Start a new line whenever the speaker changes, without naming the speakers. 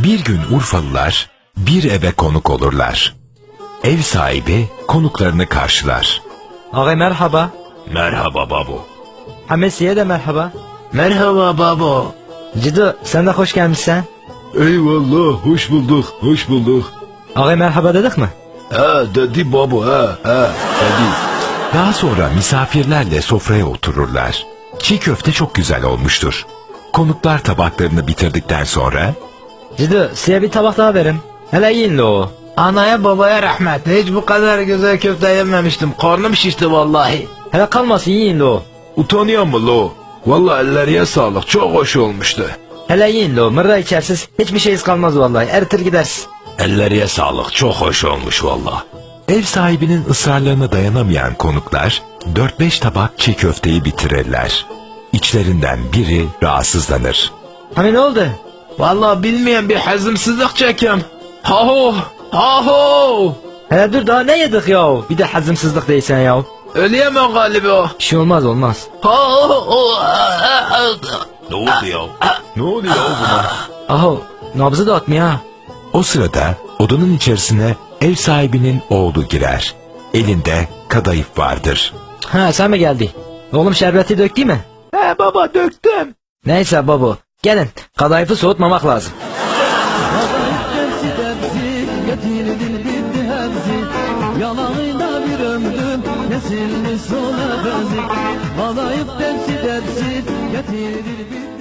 Bir gün Urfalılar bir eve konuk olurlar. Ev sahibi konuklarını karşılar.
Ağay merhaba.
Merhaba babo.
Hamesiye de merhaba.
Merhaba babo.
Cidu sen de hoş gelmişsin.
Eyvallah, hoş bulduk, hoş bulduk.
Ağay merhaba dedik mi?
Dedi babo, dedi.
Daha sonra misafirlerle sofraya otururlar. Çiğ köfte çok güzel olmuştur. Konuklar tabaklarını bitirdikten sonra
Cidu size bir tabak daha verin. Hele yiyin lo.
Anaya babaya rahmet. Hiç bu kadar güzel köfte yememiştim. Karnım şişti vallahi.
Hele kalmasın yiyin lo.
Utanıyor mu lo? Vallahi ellerine sağlık. Çok hoş olmuştu.
Hele yiyin lo. Mırra içersiz hiçbir şeyiz kalmaz vallahi. Eritir gidersin.
Ellerine sağlık. Çok hoş olmuş vallahi.
ev sahibinin ısrarlarına dayanamayan konuklar 4-5 tabak çiğ köfteyi bitirirler. İçlerinden biri rahatsızlanır.
Hani ne oldu?
Vallahi bilmeyen bir hazımsızlık çekim. Haho, haho.
Hele dur daha ne yedik ya? Bir de hazımsızlık değilsen ya.
Öleyemem galiba.
Bir şey olmaz.
Haho.
Ne oldu ya? Ne oluyor buna?
Aho nabzı da atmıyor ha.
O sırada odanın içerisine ev sahibinin oğlu girer. Elinde kadayıf vardır.
Ha sen mi geldin? Oğlum şerbeti döktü mü?
He baba döktüm.
Neyse baba. Gelin kadayıfı soğutmamak lazım.
Yalanıyla bir ömrüm kesilmiş sona benzik. Kadayıf dersi dersi getirir bir